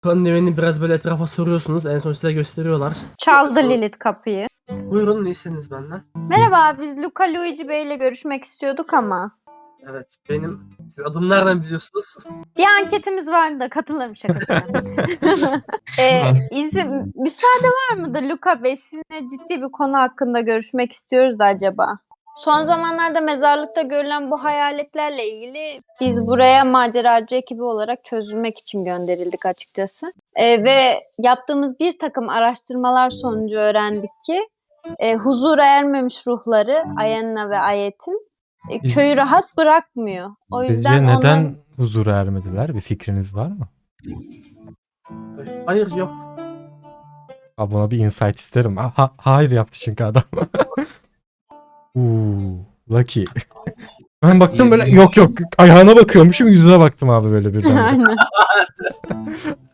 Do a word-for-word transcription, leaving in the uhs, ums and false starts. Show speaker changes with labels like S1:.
S1: Kandemini biraz böyle etrafa soruyorsunuz. En son size gösteriyorlar.
S2: Çaldı Lilith kapıyı.
S1: Buyurun, ne istediniz benden?
S2: Merhaba, biz Luca Luigi Bey ile görüşmek istiyorduk ama.
S1: Evet, benim. Siz adımı nereden biliyorsunuz?
S2: Bir anketimiz vardı da katılırım, şaka şaka. ee, izin, müsaade var mıdır Luca Bey? Sizinle ciddi bir konu hakkında görüşmek istiyoruz da acaba. Son zamanlarda mezarlıkta görülen bu hayaletlerle ilgili biz buraya maceracı ekibi olarak çözülmek için gönderildik açıkçası. Ee, ve yaptığımız bir takım araştırmalar sonucu öğrendik ki e, huzura ermemiş ruhları Ayenna ve Ayet'in e,
S3: Biz-
S2: köyü rahat bırakmıyor. O yüzden
S3: Sizce neden
S2: onların...
S3: huzura ermediler? Bir fikriniz var mı?
S1: Hayır, yok.
S3: Abi buna bir insight isterim. Ha, ha- hayır yaptı çünkü adam. Uuu, lucky. Ben baktım böyle, yok yok, ayağına bakıyormuşum, yüzüne baktım abi böyle birden.
S2: Aynen.